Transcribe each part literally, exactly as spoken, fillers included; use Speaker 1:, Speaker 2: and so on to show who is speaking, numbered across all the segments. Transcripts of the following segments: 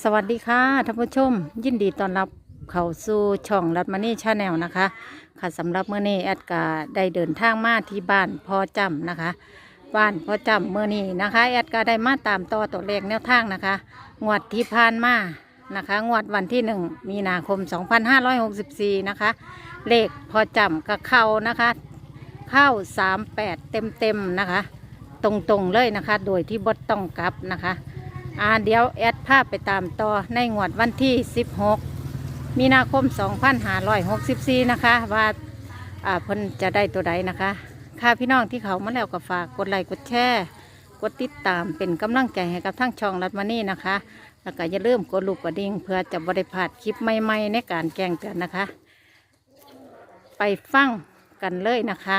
Speaker 1: สวัสดีค่ะท่านผู้ชมยินดีต้อนรับเข้าสู่ช่องรัตมณีชาแนลนะคะค่ะสำหรับเมื่อนี้แอดกาได้เดินทางมาที่บ้านพ่อจำนะคะบ้านพ่อจำเมื่อนี้นะคะแอดกาได้มาตามต่อตัวเลขแนวทางนะคะงวดที่ผ่านมานะคะงวดวันที่หนึ่งมีนาคมสองพันห้าร้อยหกสิบสี่นะคะเลขพ่อจำกับเข้านะคะเข้าสามแปดเต็มเต็มๆนะคะตรงๆเลยนะคะโดยที่บดต้องกลับนะคะอ่าเดี๋ยวแอดภาพไปตามต่อในงวดวันที่สิบหกมีนาคมสองพันห้าร้อยหกสิบสี่นะคะว่าอ่าเพิ่นจะได้ตัวใดนะคะค่ะพี่น้องที่เขามาแล้วก็ฝากกดไลค์กดแชร์กดติดตามเป็นกำลังใจให้กับทั้งช่องรัตมณีนะคะแล้วก็อย่าลืมกดลูกกระดิ่งเพื่อจะบริพลาดคลิปใหม่ๆในการแจ้งเตือนนะคะไปฟังกันเลยนะคะ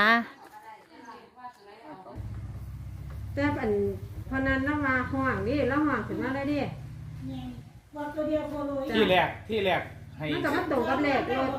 Speaker 2: แต่อันพนันละว่าห่วงนี่ละห่วงถึงมาได้ดิ
Speaker 3: ที่แรกที่แรกให้
Speaker 2: มันก็มาตรงกับเลขรถ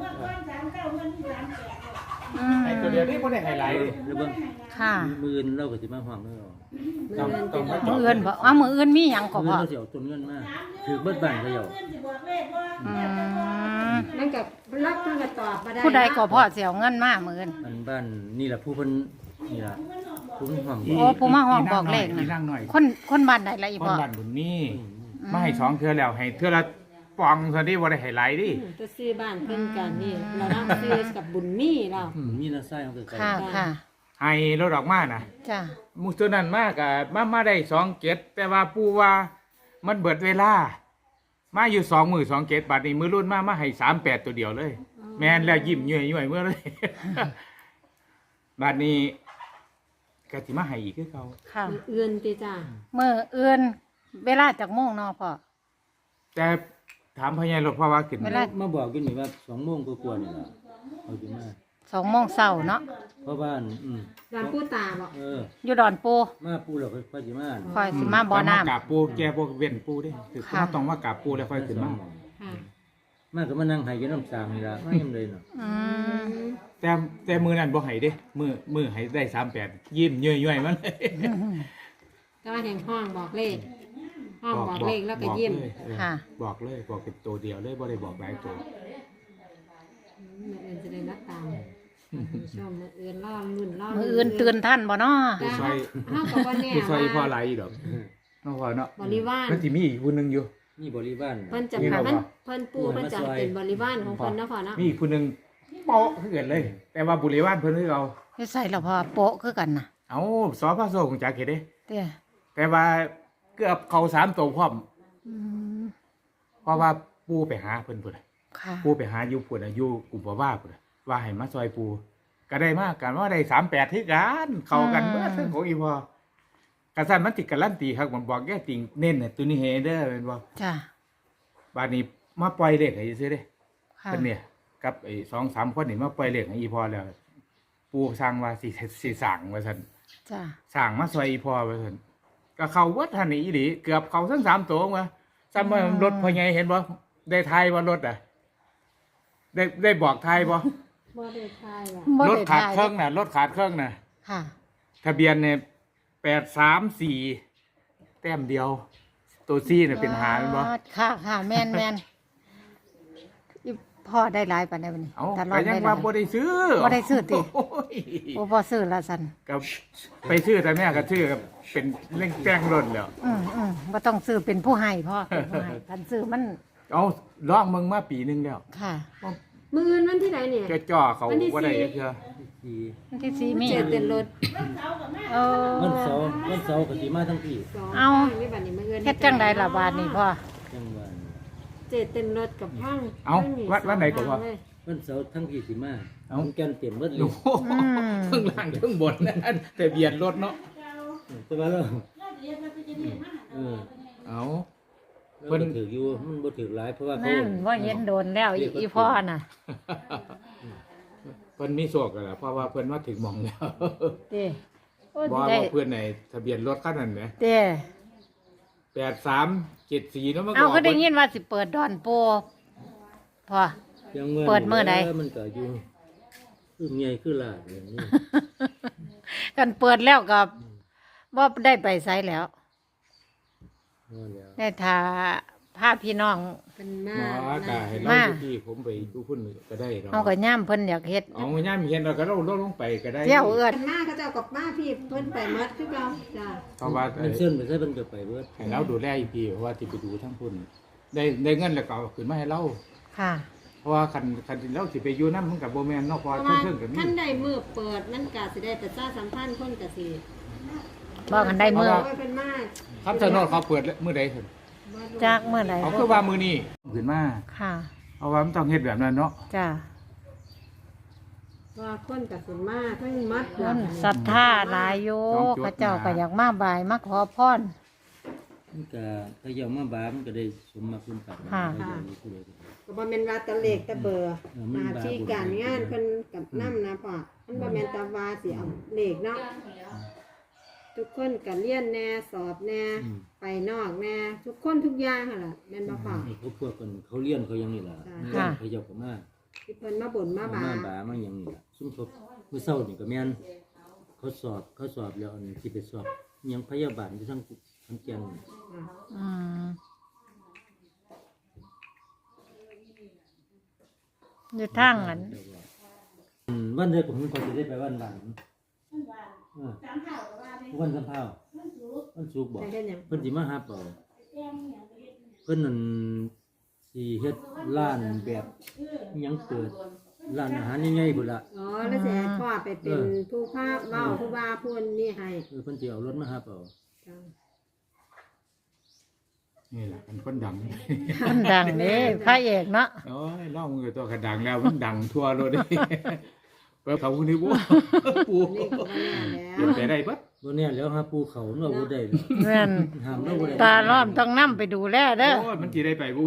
Speaker 1: อืม
Speaker 3: ให้ตัวเดียวนี่บ่ได้ไฮไลท์ดิ
Speaker 4: แล้วเบิ่ง
Speaker 1: ค่ะ
Speaker 4: มืออื่นเราก็สิมาห้องเด้อ
Speaker 3: ต้องต้องมาจ
Speaker 1: มื
Speaker 3: อ
Speaker 1: อ
Speaker 3: ด
Speaker 1: อื่นบ่อ้าวมืออื่นมีหยังก็
Speaker 4: มือ
Speaker 1: พอ
Speaker 4: เราสิเอาต้นเงินมาถือเบิดบ้านเขาเจ้า
Speaker 1: อืม
Speaker 2: นั่นกับรับมันก็ตอบมาได้
Speaker 1: ผู้ใดก็พอเสียเงินมามืออื่น
Speaker 4: อันบ้านนี่ล่ะผู้เพิ่นนี่ล่ะผู้เพิ่นห้อง
Speaker 1: โอ้ผู้มาห้องบอกเลข
Speaker 3: อี
Speaker 1: นะ
Speaker 3: นั่งหน่อย
Speaker 1: คนคนบ้านไหนละอี
Speaker 3: ค
Speaker 1: พ่
Speaker 3: น
Speaker 1: อ
Speaker 3: บ้านบุญมีมาให้สองเทื่อแล้วให้เทื่อละปองซะดิบ่ได้ไฮไลท์ดิ
Speaker 2: จะซื้อบ้านเพิ่นกันนี่เรานั่งซื้อกับบุญมีเรา
Speaker 4: มีน้าไส้ของเกิดไกล
Speaker 1: ค่ะค่ะ
Speaker 3: ให้รถออกมาน่ะ
Speaker 1: จ้ะ
Speaker 3: มุตัวนั้นมากก็มามาได้สองเจ็ดแต่ว่าปู่ว่ามันเบิดเวลา มาอยู่สองมือสองเจ็ดบาทนี้มือรุ่นมามาให้สามแปดตัวเดียวเลย แม่นแล้วยิ้มย่อยๆเมื่อเลย บาทนี้ก็สิมาให้อีกคือเก่า
Speaker 1: ค่ะ
Speaker 2: เอื่นติจ้า
Speaker 1: มืออื่นเวลาจากโมงเนาะพ่อ
Speaker 3: แต่ถามพญารถเพราะว่าขึ้น
Speaker 1: เวลา
Speaker 4: มาบอกอยู่นี่ว่าสองโมงกว่าๆนี่ล่ะเอาสิมา
Speaker 1: สองโมงเช้าเนาะ
Speaker 4: เพราะบ้านอืม
Speaker 2: ร้านผู้ตาบอก
Speaker 4: เออ
Speaker 1: อยู่ดอนปู
Speaker 4: มาปูแล้วค่อยสิมา
Speaker 1: คอยสิมาบ่อน้
Speaker 3: กราบปูแกพวกเว้นปูเด้คือ
Speaker 1: ค่ะ
Speaker 3: เขาต้องว่ากราบปูแล้วค่อยขึ้นมา
Speaker 2: ค่ะ
Speaker 4: มาก็มานั่งให้กินน้ำสางนี่ล่ะมายังเลยเนาะ
Speaker 1: ำอืม
Speaker 3: แต่แต่มือนั้นบ่ให้เด้มือมือให้ได้สามแปดยิ้มย่อยๆมันเลย
Speaker 2: ก็ว่าแห่งห้องบอกเลข ห้องบอกเลขแล้วก็ยิ้ม
Speaker 3: บอกเลยเออ
Speaker 1: ค่ะ
Speaker 3: บอกเลยบอกเป็นตัวเดียวเลยบ่ได้บอกหลายตัว
Speaker 2: มืออื่นจะได้นัดตามชมมืออื่นล่อรุ่นล่อ
Speaker 1: มืออื่นตื่นท่านบ่เนาะ
Speaker 2: จ้าห้องกับวันแน่
Speaker 3: ผู้ซอยพ่อ
Speaker 2: ว่า
Speaker 3: หลายอีดอกเนาะพ่อเนาะ
Speaker 2: บริวาร
Speaker 3: มันสิมีอีกผู้หนึงอยู่
Speaker 4: นี่บริวาร
Speaker 2: เพิ่นจะ
Speaker 3: นี่เรา
Speaker 2: มัน
Speaker 3: บอก
Speaker 2: เพิ่นปูเพิ่นจะเป็นบริวารของเพิ่นนะพ่อเนาะ
Speaker 3: มีอีกผู้หนึงเปาะคือกันเลย แต่ว่าบุรีวานเพิ่นคือเอา
Speaker 1: จะใส่ละพ่อโปะคือกันน่ะ
Speaker 3: เอาสอพระโซของจักเฮ็ดเด้
Speaker 1: เด้อ
Speaker 3: แต่ว่าเกือบเข้าสามตัวพร้อม
Speaker 1: อืม
Speaker 3: เพราะว่าปูไปหาเพิ่นพุ่นน่ะ
Speaker 1: ค่ะ
Speaker 3: ปูไปหาอยู่พุ่นน่ะอยู่กลุ่มบ่ว่าพุ่นน่ะว่าให้มาซอยปูก็ได้มากกันว่าได้สามแปดที่กันเข้ากันเมื่อทั้งของอีพอกระสันมันติดกันลั่นตีครับผมบอกแกติงเน้นน่ะตัวนี้เฮเด้อเป็นบ่
Speaker 1: จ้ะ
Speaker 3: บาดนี้มาปล่อยเลขให้ซื้อเด้
Speaker 1: ค่ะ
Speaker 3: เพิ่นเนี่ยกับไอ้สองสามคนนี่มาปล่อยเลขให้อีพอแล้ว ปูสร้างว่าสิสิสั่งว่าซั่น
Speaker 1: จ้ะ
Speaker 3: สั่งมาซอยอีพอว่าซั่นก็เข้าเบิดทันนี่อีหลีเกือบเข้าทั้งสามตัวมาซ้ำว่ารถพ่อใหญ่เห็นบ่ได้ทายว่ารถอ่ะ ได้ได้บอกทายบ่
Speaker 2: บ่ได้ทายว่ะ
Speaker 1: บ่
Speaker 3: รถ
Speaker 1: ได้
Speaker 3: ขาด
Speaker 1: ถ่ย
Speaker 3: เครื่องน่ะรถขาดเครื่องน่ะ
Speaker 1: ค่ะ
Speaker 3: ทะเบียนเนี่ยแปดสามสี่แต้มเดียว ตัวซี่เนี่ยเป็นหาเป็นบ่
Speaker 1: ค่ะค่ะแม่นแม่นอีพ่อได้หลายปานใดบัดนี้
Speaker 3: เอ้า
Speaker 1: ตลอ
Speaker 3: ก็
Speaker 1: ด
Speaker 3: ยัง
Speaker 1: ได้หลา
Speaker 3: ว่าย บ่ได้ซื้อ
Speaker 1: บ่ได้ซื้อติ
Speaker 3: โอ้ย
Speaker 1: โอ้พ่อซื้อละสัน
Speaker 3: ก็ไปซื้อแต่แม่ก็ซื้อกับเป็นเร่งแป้งรถแล้ว
Speaker 1: อืมอืมบ่ต้องซื้อเป็นผู้ให้พ่อเป็นผู้ให้คันซื้อมัน
Speaker 3: เอาลองมึงมาปีหนึงแล้ว
Speaker 1: ค่ะ
Speaker 2: มืออื่นวันที่ไหนเนี่ย
Speaker 3: จะจ่อเขา
Speaker 2: วันที่
Speaker 3: บ่ได้
Speaker 2: สี่
Speaker 3: เทื่อ
Speaker 4: ที่
Speaker 1: วันที่สี่มี
Speaker 2: เจ็ดเต็นรถ
Speaker 1: เออ
Speaker 4: วันเสาร์วันเสาร์ก็สิมาทั้งพี่
Speaker 2: สอง
Speaker 1: เอา
Speaker 2: ไม่บัดนี้มืออื่น
Speaker 1: เฮ็ดจังไดล่ะบาดนี้พ่อ
Speaker 4: จังหวัด
Speaker 2: เจ็ดเต็นรถกับห้าง
Speaker 3: เอาวัดวัดไหนก็ว่า
Speaker 2: เลย
Speaker 4: วันเสาร์ทั้งพี่สิมา
Speaker 3: เอ้า
Speaker 4: ผมแกนเต็มเบิดเล
Speaker 3: โอ้
Speaker 4: ย
Speaker 3: โหทั้งล่างทั้งบนนั่นแต่เบียดรถเนาะ
Speaker 4: แต่ว่าเราเออ
Speaker 3: เอา
Speaker 4: เพิ่นถืออยู่มันบ่ถือหลายเพราะว่าเขา
Speaker 1: นั่นว่าเห็นโดนแล้วอีอีพ่อน่ะ
Speaker 3: เพิ่นมีโชคแล้วล่ะเพราะว่าเพิ่นมาถึงหม่องแล้ว
Speaker 1: เด้โอ้
Speaker 3: บ่
Speaker 1: ได้
Speaker 3: ว่าเพื่อนในทะเบียนรถคันนั้นแหม
Speaker 1: เด้
Speaker 3: แปดสามเจ็ดสี่แล้วมันก็
Speaker 1: เอา
Speaker 3: อ
Speaker 1: ก็
Speaker 3: อก
Speaker 1: ได้ยินว่าสิเปิดดอนโปพ่อ
Speaker 4: ยังว่า
Speaker 1: เปิดมื้อใด
Speaker 4: มันก็อยู่คือใหญ่คือลาดอย่างนี้
Speaker 1: กันเปิดแล้วก็บ่ได้ไปไสแล้ว
Speaker 4: นั่นแหล้ว
Speaker 1: ได้ทาพาพี่น้อง
Speaker 2: เป็นมา
Speaker 3: หมอกะให้เรา
Speaker 1: มา
Speaker 3: อยู่ที่ผมไปดูพุ่นก็ได้ดอก
Speaker 1: เฮาก็ย่ามเพิ่นอยากเฮ็ด
Speaker 3: เอาง่ายๆมีเห็นเราก็เราลดลงไปก็ได้
Speaker 1: เที่ยวเอื้อน
Speaker 2: เป็นมาเขาเจ้ากับมาพี่เพิ่นไปหมดคือเก่าจ้ะ
Speaker 3: เพราะว่า
Speaker 4: มันเส้นไปใส่เพิ่นก็ไปเบิด
Speaker 3: ให้เราดูแลอีกทีเพราะว่าที่ไปดูทั้งพุ่นได้ได้เงินแล้วก็เอาขึ้นมาให้เรา
Speaker 1: ค่ะ
Speaker 3: เพราะว่าคันคันเราสิไปอยู่นำมันก็บ่แม่นเนาะเพ
Speaker 2: เพ
Speaker 3: ราะ
Speaker 2: ราะ
Speaker 3: ว่า
Speaker 2: ว่า
Speaker 3: เพิ่นก็มี
Speaker 2: ท่านใดมือเปิดมันก็สิได้ประชาสัมพันธ์คนก็สิ
Speaker 1: บอกกันได้มื้อ
Speaker 2: โอ้ยเป็นมา
Speaker 3: ครับสนดเขาเปิดมื้อใดพุ่น
Speaker 1: จากเมื่อใด
Speaker 3: เขาคือว่ามื้อนี้ขึ้นมา
Speaker 1: ค่ะ
Speaker 3: เพราะว่ามันต้องเฮ็ดแบบนั้นเนาะ
Speaker 1: จ้า
Speaker 2: ว่าคนก็สิมาทั้งหมด
Speaker 1: คนศรัทธาหลายอยู่เขาเจ้าก็อยากมาบายมาขอพร
Speaker 4: มันก็ถ้าเยามาบามันก็ได้สมมาคุณกับ
Speaker 1: ค่ะ
Speaker 4: ถ้าเยามาผู้ใดก็ได้
Speaker 2: ก็บ่แม่นว่าแตะเลขแตะเบอร์
Speaker 4: เออมัน
Speaker 2: หน้า
Speaker 4: บา
Speaker 2: ที่การงานเพิ่นกับนำนะพ่อมันบ่แม่นแตะว่าสิเอาเลขเนาะทุกคนก็เรียนแน่สอบแน่ไปนอกแน่ทุกคนทุกอย่างหั่นล่ะแม่นบ่พ่อ
Speaker 4: นี่เขาพวกกันเขาเลี้ยนเขายังนี่ล่ะ
Speaker 2: ค่ะ
Speaker 4: เขาเจ้าก็มา
Speaker 2: ที่เพิ่นมาบ่นมาบา
Speaker 4: มาบามาหยังนี่ล่ะซุ่มทบมื้อเช้านี่ก็แม่นเขาสอบเขาสอบแล้วอันที่ไปสอบอิหยังพยาบาลอยู่ทั้งทั้งแก่นนี่
Speaker 1: อืมอยู่ทางนั้น
Speaker 4: อืมวันเดียวผมก็จะได้ไปวันหลังเออวันสำเภาวันสุกร์บอก
Speaker 2: ได้เฮ็ดหยัง
Speaker 4: เพิ่นสิมาหาเปล่าเพิ่นนั่นสิเฮ็ดร้านแบบอิหยังเปิดร้านอาหารใหญ่ๆพุ่นล่ะ
Speaker 2: อ๋อแล้วสิให้พ่อไปเป็นผู้พาเว้าผู้ว่าผู้นี่ให้
Speaker 4: เออเพิ่นสิเอารถมาหาเปล่า
Speaker 2: จ้ะ
Speaker 3: นี่แหละเป็นคนดัง
Speaker 1: คนดังเด้พระเอกเนาะ
Speaker 3: โอ้ยน้องมือตัวกระดังแล้วมันดังทั่วโลกเลย เปิดเขาคนนี้บูปู
Speaker 2: นี่ก็ว่าแน่แล้ว
Speaker 3: เปลี่ยนไปได้ปะ
Speaker 4: บ่แน่แล้วหาปูเขาเนาะบ่ได้เลย
Speaker 1: แม่น
Speaker 4: ห้ามเราบ่ได้
Speaker 1: ตาล้อมต้องนำไปดูแลเด้อ
Speaker 3: โอ้ยมันจีได้ไปบู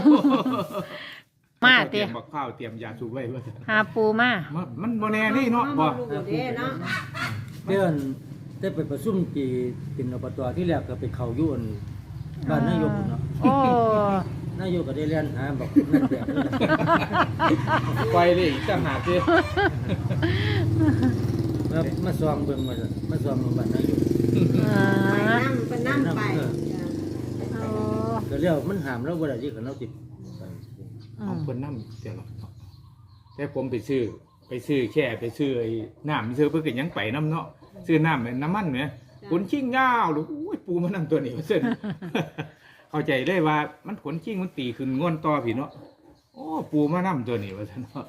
Speaker 1: มา
Speaker 3: เตรี
Speaker 1: ติ
Speaker 3: ยมบักข้าวเตรียมยาสูบไว้ว่า
Speaker 1: หาปูมา
Speaker 3: มันมันโมแน่นี่เนาะ
Speaker 2: บ่
Speaker 3: บ่
Speaker 2: รู้เด้เนาะ
Speaker 4: เดือนได้ไปประชุมปีเป็นอบตที่แรกก็ไปเข้าอยู่อันบ้านนายกพุ่นเนาะ
Speaker 1: โอ้
Speaker 4: นายกก็ได้เรียนหาบอกนั่นแบบนี้
Speaker 3: ไปเลยอีกต่างหากสิ
Speaker 4: มามาซองเบิ่งมาซั่นมาซองโรงพยาบาลนายก
Speaker 1: อ่า
Speaker 2: ไปนำเพิ่นนำไปจ้ะ
Speaker 1: โอ้
Speaker 4: ก็แล้วมันห้ามเราบ่ได้ที่คันเราติดไป
Speaker 1: อื
Speaker 3: เอา
Speaker 1: ม
Speaker 3: คนน้ำเดี๋ยวหรอกแต่ผมไปซื้อ ไปซื้อแค่ไปซื้อไอ้น้ำซื้อเพื่อกินยังไปน้ำเนาะซื้อน้ำน้ำมันเนี่ยขนชิ่งยาวหรืออุ้ยปูมันนั่งตัวนี้เส้น เข้าใจได้ว่ามันขนชิ่งมันตีขึ้นง่วนต่อพี่เนาะโอ้ปูมานั่ตัวนี้ว่าท่านเนาะ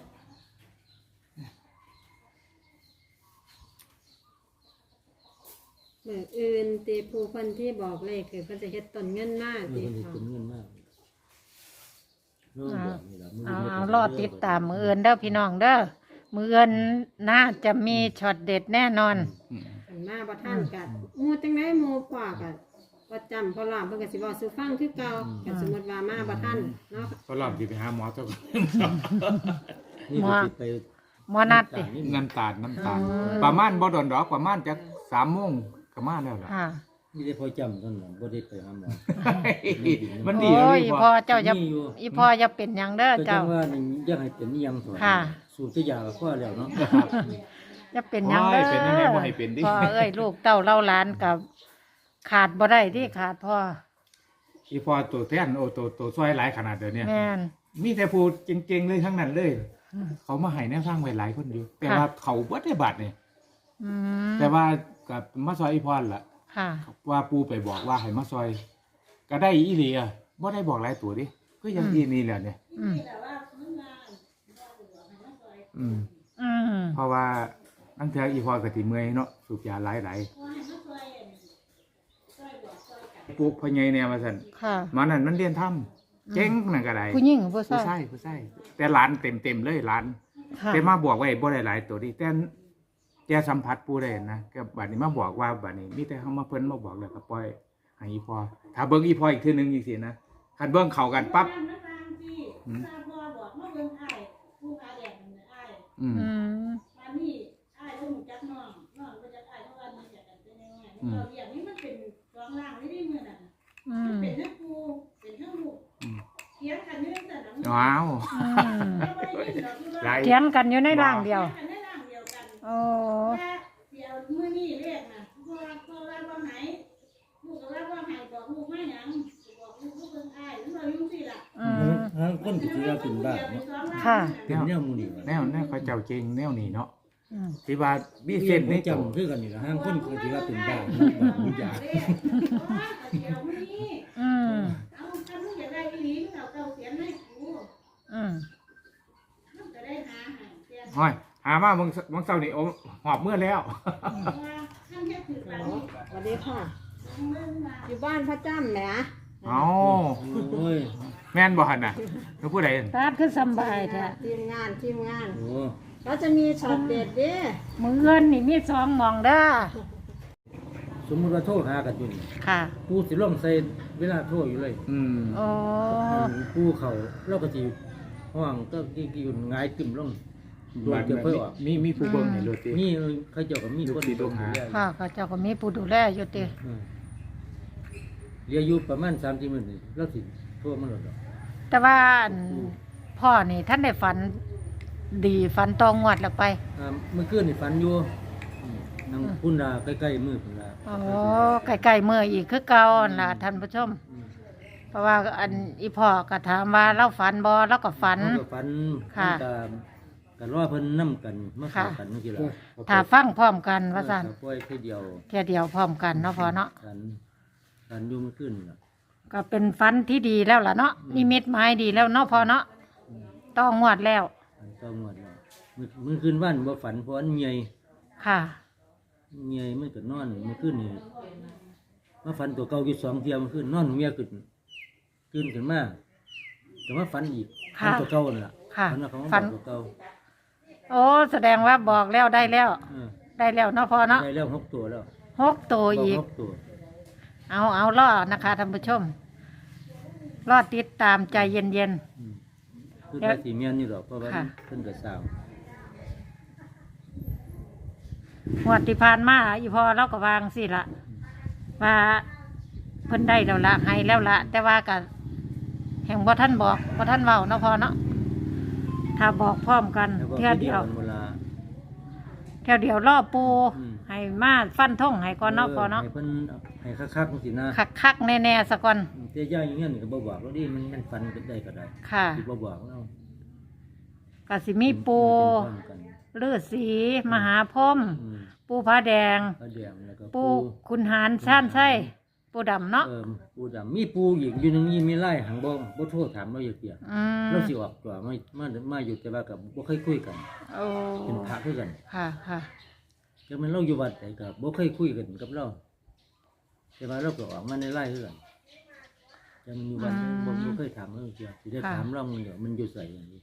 Speaker 2: มื้ออื่นติผู้เพิ่นที่บอกเลขคือเพิ่นจะเฮ็ดต้นเงินมา
Speaker 4: เออ
Speaker 2: ติ
Speaker 4: มันสิ
Speaker 2: ค่ะ
Speaker 4: เป็นเงินมากเนาะแบบนี้ล่ะมัน
Speaker 1: เอา
Speaker 4: ฮ็ด
Speaker 1: เอารอติดตามมืออื่นเด้อพี่น้องเด้อมืออื่นน่าจะมีช็อตเด็ดแน่นอน
Speaker 3: อืม
Speaker 2: เพิ่นมาบ่ทันก็หมู่จังได๋หมู่พ่อก็บ่จำเพราะล่ะเพิ่นก็สิเว้าสู่ฟังคือเก่าก็สมมุติว่ามาบ่ทันเนาะ
Speaker 3: ก็รอบที่ไปหาหมอเท่ากัน
Speaker 4: นี่ก็สิไป
Speaker 1: หมอนัดติ
Speaker 4: นี่
Speaker 3: น้ำตาลน้ำตาลประมาณบ่โดนดอกประมาณจักสามโมงก็มาแล้วล่ะ
Speaker 1: ค่ะ
Speaker 4: นี่ได้พอจำเท่านั้นบ่ได้ไปหาหมอ
Speaker 3: มันดี
Speaker 1: โอ้
Speaker 3: เลย
Speaker 1: อี
Speaker 3: พ
Speaker 1: พ่อ
Speaker 3: อ
Speaker 1: เจ้าจะ
Speaker 4: มีอยู่
Speaker 1: อีพ่อจะเป็นหยังเด้อ
Speaker 4: ก็จั
Speaker 1: เจ้าง
Speaker 4: ว่านี่อยากให้เป็นอีหยังสอน
Speaker 1: ค่ะ
Speaker 4: สูบแต่ยาก็พอแล้วเนาะ
Speaker 1: จะเป็นหยังเด้อ
Speaker 3: โอ้ยเป็นยังไงบ่ให้เป็นดิ
Speaker 1: พ่อเอ้ยลูกเต้าเล่าหลานกับขาดบ่ได้ที่ขาดพ่อ
Speaker 3: อีพอตัวแทนโอ้ตัวตัวซอยหลายขนาดเดี๋ยวนี้
Speaker 1: แม่น
Speaker 3: มีแต่ผู้เก่งๆเลยทั้งนั้นเลย เขามาให้แนวทางไว้หลายคนอยู่ แต่ว่าเขาบ่ได้บัตรนี่
Speaker 1: อืม
Speaker 3: แต่ว่ากับมาซอยอีพรล่ะ
Speaker 1: ค่ะ
Speaker 3: ว่าปูไปบอกว่าให้มาซอย ก็ได้อีหลีอ่ะบ่ได้บอกหลายตัวดิก็ยังอีนี่แหละเนี่ย
Speaker 1: อืม
Speaker 3: อืม
Speaker 1: อืม
Speaker 3: เพราะว่าตั้งแต่อีพรก็สิเมื่อยเนาะสูบยาหลายๆปลูกพญายแนวมาสั่น
Speaker 1: ค่ะ
Speaker 3: มานั่นมันเรียนทำเจ๊งนั่นก็ได้
Speaker 1: ผู้หญิงผู้
Speaker 3: ผู้
Speaker 1: ชาย
Speaker 3: ชายผู้ชายแต่หลานเต็มๆเลยหลาน
Speaker 1: ค่ะ
Speaker 3: แต่มาบอกไว้บ่ได้หลายตัวดิแต่แต่สัมผัสผู้ได้นะก็บัดนี้มาบอกว่าบัดนี้มีแต่เฮามาเพิ่นมาบอกแล้วก็ปล่อยให้อีพอถ้าเบิ่งอีพออีกทีหนึงจังซี่นะคันเบิ่งเข้ากันปั๊บอืมอืม
Speaker 1: อืม
Speaker 3: อืม
Speaker 1: อืม
Speaker 5: เป็นทั้งครูเป็นทั้งลูกเถียงกันอยู่ในสนาม
Speaker 3: ว้าว
Speaker 1: อืม
Speaker 3: หลาย
Speaker 1: เถียงกันอยู่ในร่างเดียว
Speaker 5: กันในร่างเดียวกัน
Speaker 1: โอ้
Speaker 5: แต่เดี๋ยวมื้อนี้เรียกน่ะพ่อพ่อว่าบ่หายลูกก็ว่าบ่หายบอกลูกมาหยังบอกลูกลูกเบิ่งอ้ายแล้วเราอยู่
Speaker 4: คนก็สิว่าเป็นบ้าเนาะ
Speaker 1: ค่ะ
Speaker 4: เป็นแนวหมู่นี่ว่า
Speaker 3: แนวแนวเขาเจ้าเก่งแนวนี้เนาะ
Speaker 1: อืม
Speaker 3: ที่ว่ามี
Speaker 4: มี
Speaker 3: เส้
Speaker 4: เส้
Speaker 3: น
Speaker 4: น
Speaker 3: ใน
Speaker 4: ใน
Speaker 3: ตัว
Speaker 4: จำคือกันนี่ล่ะห้างคนก็สิว่าเป็นบ้าบ้ามียา
Speaker 1: อืม
Speaker 5: เอาถ้ามึงอยากได้อีหลีมึงเอาเก่าเสียนให้กู
Speaker 1: อืม
Speaker 5: มึงจะได้หาให้เสียน
Speaker 3: ห้อยหามาบางบางเช้านี่โอ้หอบเมื่อแล้ว
Speaker 5: ว่าท่านแค่ถือปากนี้
Speaker 2: สวัสดีค่ะ
Speaker 5: มึงมา
Speaker 2: อยู่บ้านพระจ้ำแหม
Speaker 3: เอา
Speaker 4: โอ้ย
Speaker 3: แม่นบ่หั่นน่ะแล้วผู้ใด
Speaker 1: ตาดคือสำบายแท้
Speaker 2: ทีมงานทีมงาน
Speaker 4: โอ้
Speaker 2: ก็จะมีช็อตเด็ดเด้
Speaker 1: มือเงินนี่มีสองหมองเด้อ
Speaker 4: สมมุติว่าโทรหากันอยู่นี่
Speaker 1: ค่ะ
Speaker 4: ผู้สิลงใส่เวลาโทรอยู่เลย
Speaker 3: อืม
Speaker 1: โอ้
Speaker 4: ผู้เขาเราก็สิห้องก็กี่กี่หงายตึมลงโดนจะเพิ่นออก
Speaker 3: มีมีผู้เบิ่งให้รถติ
Speaker 4: มีเขาเจ้าก็มีคน
Speaker 3: ลูกศิษย์ลูกหา
Speaker 4: ดูแล
Speaker 1: ค่ะเขาเจ้าก็มีผู้ดูแลอยู่ติ
Speaker 4: อืมเหลืออยู่ประมาณสามสิบมื้อนี่เราสิโทรมาแล้วดอก
Speaker 1: แต่ว่าอันพ่อนี่ท่านได้ฝันดีฝันตองงวดแล้วไป
Speaker 4: อ่าเมื่อคืนนี่ฝันอยู่อืมนางพุ่นดาใกล้ๆมือพุ่นดา
Speaker 1: อ๋อใกล้ๆเมื่ออีกคือเก่านั่นล่ะท่านผู้ชม
Speaker 4: อืม
Speaker 1: เพราะว่าอันอีพ่อก็ถามว่าเราฝันบ่เราก็ฝัน
Speaker 4: เขาก็ฝัน
Speaker 1: ค่ะ
Speaker 4: มันก็กันรอเพิ่นนํกันมาเข้า
Speaker 1: ค่ะ
Speaker 4: กันเมื่อกี้ล่ะ
Speaker 1: ถ้าฟังพร้อมกันว่าซั่น
Speaker 4: เออก็ปล่อยแค่เดียว
Speaker 1: เที่ยเดียวพร้อมกันเนาะพ่อเนาะ
Speaker 4: ฝันฝันอยู่เมื่อคืนนี่ล่ะ
Speaker 1: ก็เป็นฝันที่ดีแล้วล่ะเนาะนิมิตหมายดีแล้วเนาะพ่อเนาะต้องงวดแล้ว
Speaker 4: ฝันต้องงวดแล้วมื้อมื้อคืนวันบ่ฝันเพราะอันเมีย
Speaker 1: ค่ะ
Speaker 4: เมียมันก็นอนเมื่อคืนนี่มาฝันตัวเก่าอยู่สองเที่ยเมื่อคืนนอนเมียขึ้นตื่นขึ้นมาก็มาฝันอีกฝันตัวเก่านั่นล่ะ
Speaker 1: ค่ะ
Speaker 4: ฝันว่าเขามา
Speaker 1: ฝั
Speaker 4: บ
Speaker 1: น
Speaker 4: อกตัวเก่า
Speaker 1: โอ้แสดงว่าบอกแล้วได้แล้ว
Speaker 4: เออ
Speaker 1: ได้แล้วเนาะพ่อเนาะ
Speaker 4: ได้แล้วหกตัวแล้ว
Speaker 1: หกตัวอีก
Speaker 4: หกตัว
Speaker 1: เอาเอาล่อนะคะท่านผู้ชมรอติดตามใจเย็น
Speaker 4: อืมคือแต่สีเมียนนี่หรอกเพราะว่า
Speaker 1: ค่ะ
Speaker 4: เพิ่นก็สร้าง
Speaker 1: ๆหวดที่ผ่านมาอีพอเราก็วางสิละว่าเพิ่นได้แล้วละให้แล้วละแต่ว่ากับแห่งบ่ท่านบอกบ่ท่านเว้าเนาะพอเนาะถ้าบอกพร้อมกัน
Speaker 4: แล้วก็
Speaker 1: เที่ยวเดียว
Speaker 4: กันเวลา
Speaker 1: เที่ยวเดียวล่อปู
Speaker 4: อืม
Speaker 1: ให้มาฟันท่งให้ก่อนเนาะพอเนาะ
Speaker 4: ให้เพิ่นให้คักๆจังซี่นะ
Speaker 1: คักคักๆแน่ๆซะก่อน
Speaker 4: เตี้ยย่าอย่างเงี้ยนี่ก็บ่บอกแล้วดิมันมันฟันกันได้ก็ได้
Speaker 1: ค่ะ
Speaker 4: สิบ่บอกแล้ว
Speaker 1: ก็สิมีปู
Speaker 4: เป็นพร้อมกัน
Speaker 1: ฤาษีมหาพรหม
Speaker 4: อืม
Speaker 1: ปูพระแดง
Speaker 4: พระแดงแล้วก็
Speaker 1: ปูคุณหารซ่านไส้ปูดำเนาะ
Speaker 4: เออปูดำมีปูอีกอยู่หนึงมีมีไล่หังบ่บ่โทรถามเราอยู่เตี้ย
Speaker 1: อืม
Speaker 4: เราสิออกตัวมามามาอยู่แต่ว่าก็บ่เคยคุยกัน
Speaker 1: โอ้
Speaker 4: เป็นพระคือกัน
Speaker 1: ค่ะค่ะ
Speaker 4: แต่มันเราอยู่วัดไหนก็บ่เคยคุยกันกับเราแต่ว่าเราก็ออกมาในไล่คือกันแต่มันอยู่วัดบ่บ่เคยถามเราเตี้ยสิได้ถามเรามันเดี๋ยวมันอยู่ไสอย่างนี้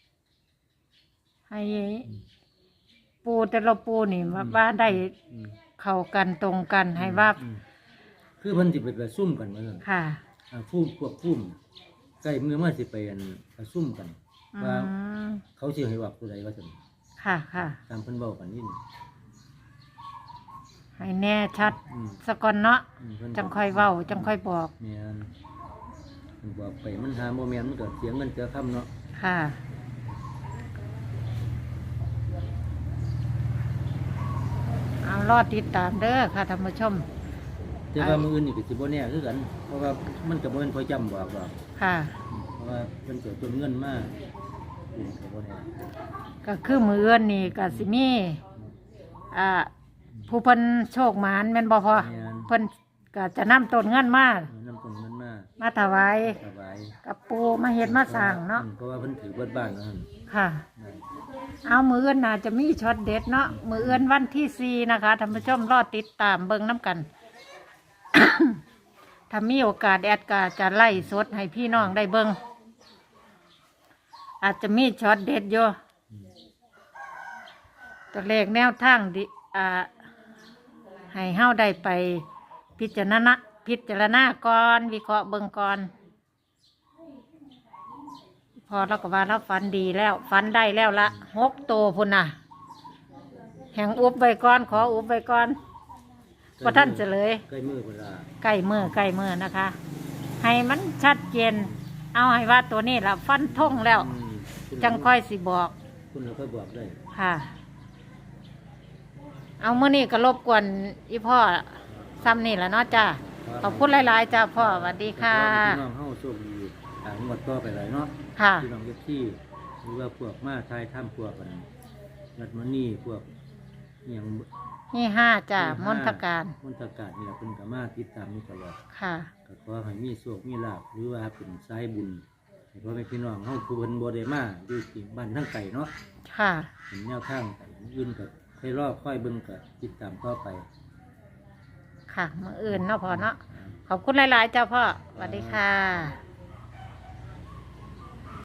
Speaker 1: ให้ปูแต่ละปูนี่ว่าว่าได้
Speaker 4: อืม
Speaker 1: เข้ากันตรงกันให้ว่า
Speaker 4: อืมคือเพิ่นสิไปประชุมกันว่าซั่น
Speaker 1: ค่ะ
Speaker 4: อ่าผู้พวกผู้ใกล้มือมาสิไปอันประชุมกัน
Speaker 1: อื
Speaker 4: ว่าม เขาสิให้วักตัวใดว่าซั่น
Speaker 1: ค่ะค่ะ
Speaker 4: ตามเพิ่นเว้ากันนี่นี่
Speaker 1: ให้แน่ชัด
Speaker 4: อืม
Speaker 1: สะก่อนเนาะ
Speaker 4: อืมเพิ่น
Speaker 1: จังค่อยเว้าจังค่อยบอก
Speaker 4: แม่นเพิ่นบอกไปมันหาบ่แม่นมันก็เสียเงินเสียคำเนาะ
Speaker 1: ค่ะ เอารอดติดตามเด้อค่ะท่านผู้ชม
Speaker 4: แต่ว่ามื้ออื่นนี่ก็สิบ่แน่คือกัน เพราะว่ามันก็บ่แม่นพอจำบอกดอก
Speaker 1: ค่ะ
Speaker 4: อืมเพราะว่าเพิ่นก็จนเงินมาอืมก็บ่แน่
Speaker 1: ก็คือมือเอื้อนนี่ก็สิมีอ่าผู้เพิ่นโชคหมานแม่นบ่พอ
Speaker 4: แม่น
Speaker 1: เพิ่นก็จะนำต้นเงินมา
Speaker 4: นำต้นเงินมา
Speaker 1: มาถวาย
Speaker 4: ถวาย
Speaker 1: กับปูมาเฮ็ดมาสร้างเนาะ
Speaker 4: อืมเพราะว่าเพิ่นถือเบิดบ้านเนาะ
Speaker 1: ค่ะ
Speaker 4: นั่น
Speaker 1: เอามือเอื้อนน่าจะมีช็อตเด็ดเนาะมือเอื้อนวันที่สี่นะคะท่านผู้ชมรอติดตามเบิ่งน้ำกัน ถ้ามีโอกาสแอดกาจะไล่สดให้พี่น้องได้เบิ่งอาจจะมีช็อตเด็ดอยู่ตัวเลขแนวทางดิอ่าให้เฮาได้ไปพิจารณาพิจารณาก่อนวิเคราะห์เบิ่งก่อน พอเราก็ว่าเราฝันดีแล้วฝันได้แล้วละหกโตวพุ่นน่ะ แห่งอุบไว้ก่อนขออุบไว้ก่อนพอท่านเฉลย
Speaker 4: ใกล้มือเวลา
Speaker 1: ใกล้มือใกล้มือนะคะ ให้มันชัดเจนเอาให้ว่าตัวนี้ละฟันทงแล้ว
Speaker 4: อืมคุณ
Speaker 1: จังค่อยสิบอก
Speaker 4: คุณเราค่อยบอกได้
Speaker 1: ค่ะ เอาเมื่อนี้ก็รบกวนอีพ่อซ้ำนี่แหละเนาะจ้าขอบคุณหลายๆจ้าพ่อสวัสดีค่ะ
Speaker 4: พี่น้องเฮาโชคดีางงวดต่อไปเลยเนาะ
Speaker 1: ค่ะ
Speaker 4: พี่น้องเอฟซีหรือว่าพวกมาทายถ้ำพวกกันรัดมันนี่พวกอหย่าง
Speaker 1: นี่ห้าจ้ะมนทการ
Speaker 4: มนตการนี่แหละเป็นกามาติดตามนี่ตลอด
Speaker 1: ค่ะ
Speaker 4: ก็ขอให้มีโชคมีลาภหรือว่าเป็นสายบุญให้พ่อแม่พี่น้องเฮาผู้เพิ่นบ่ได้มาอยู่ที่บ้านทั้งไก่เนาะ
Speaker 1: ค่ะ
Speaker 4: เป็นแนวทางไปอื่นก็ค่อยรอค่อยเบิ่งก็ติดตามต่อไป
Speaker 1: ค่ะมืออื่นเนาะพ่อเนาะ ขอบคุณหลาย ๆ เจ้าพ่อสวัสดีค่ะ